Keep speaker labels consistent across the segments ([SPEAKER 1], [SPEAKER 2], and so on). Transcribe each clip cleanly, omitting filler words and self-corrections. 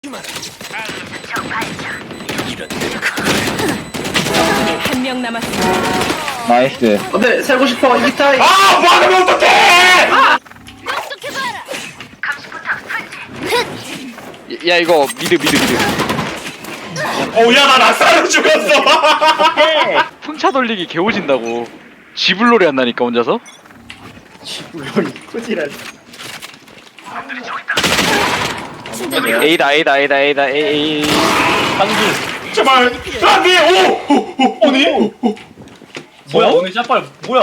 [SPEAKER 1] 한 명 남았습니다.
[SPEAKER 2] 나이스.
[SPEAKER 3] 안돼 살고 싶어 이기타이.
[SPEAKER 4] 아 막으면 어떡해!
[SPEAKER 5] 야 이거 미드.
[SPEAKER 4] 어야 나 낙사로 죽었어.
[SPEAKER 5] 풍차 돌리기 개오진다고. 지불놀이 한다니까 혼자서.
[SPEAKER 3] 지불놀이 꾸지랄.
[SPEAKER 5] A다. A.
[SPEAKER 4] 제발 안돼. 오 아니
[SPEAKER 6] 뭐야 오늘 샷발 뭐야?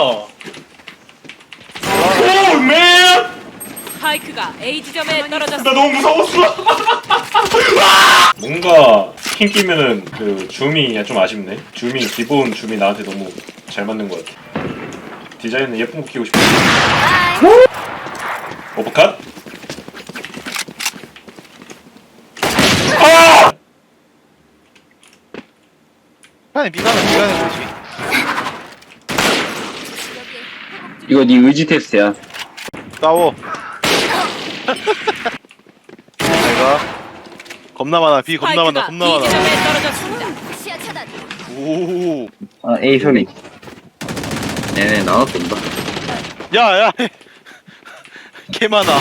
[SPEAKER 4] 오 맨.
[SPEAKER 1] 스파이크가 A 지점에
[SPEAKER 4] 나
[SPEAKER 1] 떨어졌습니다.
[SPEAKER 4] 너무 무서웠어. 뭔가 스킨 끼면은 그 줌이 좀 아쉽네. 기본 줌이 나한테 너무 잘 맞는 것 같아. 디자인은 예쁜 거 끼고 싶어. 오버컷? 아!
[SPEAKER 2] 미간은 뭐지? 이거 네 의지 테스트야.
[SPEAKER 7] 싸워. 내가 겁나 많아. B 겁나 많아.
[SPEAKER 1] 스파이크가
[SPEAKER 7] 겁나
[SPEAKER 1] B
[SPEAKER 7] 많아.
[SPEAKER 1] 지점에 떨어졌습니다.
[SPEAKER 7] 오.
[SPEAKER 2] 아 A 소리. 네네 나눠 쏜다.
[SPEAKER 7] 야. 개 많아.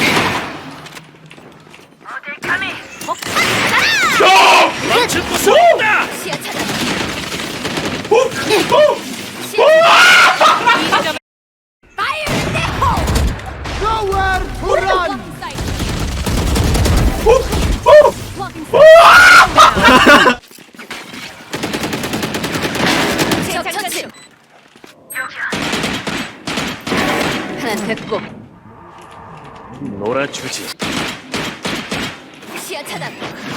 [SPEAKER 1] B 지점에
[SPEAKER 8] 하나 됐고
[SPEAKER 6] 놀아주지.
[SPEAKER 8] 시야 차단.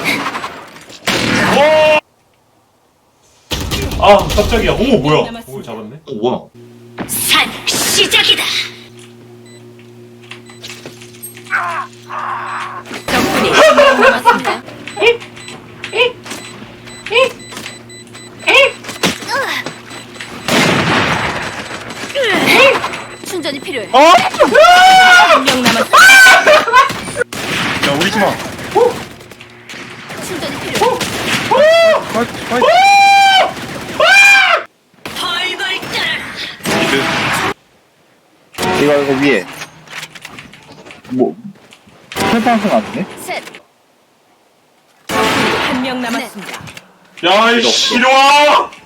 [SPEAKER 4] 아 깜짝이야. 오 뭐야? 오 잡았네.
[SPEAKER 3] 오 뭐야?
[SPEAKER 8] 산 시작이다.
[SPEAKER 1] 적군이 한 명 남았습니다.
[SPEAKER 8] 충전이 필요해.
[SPEAKER 1] 한 명 남았습니다.
[SPEAKER 7] 야 우리 팀아.
[SPEAKER 8] 충전이 필요해. 벌벌 떨어라.
[SPEAKER 2] 이거 위에. 뭐 철판선 같은데?
[SPEAKER 8] 셋.
[SPEAKER 1] 적군이 한 명 남았습니다.
[SPEAKER 4] 야이 씨려와.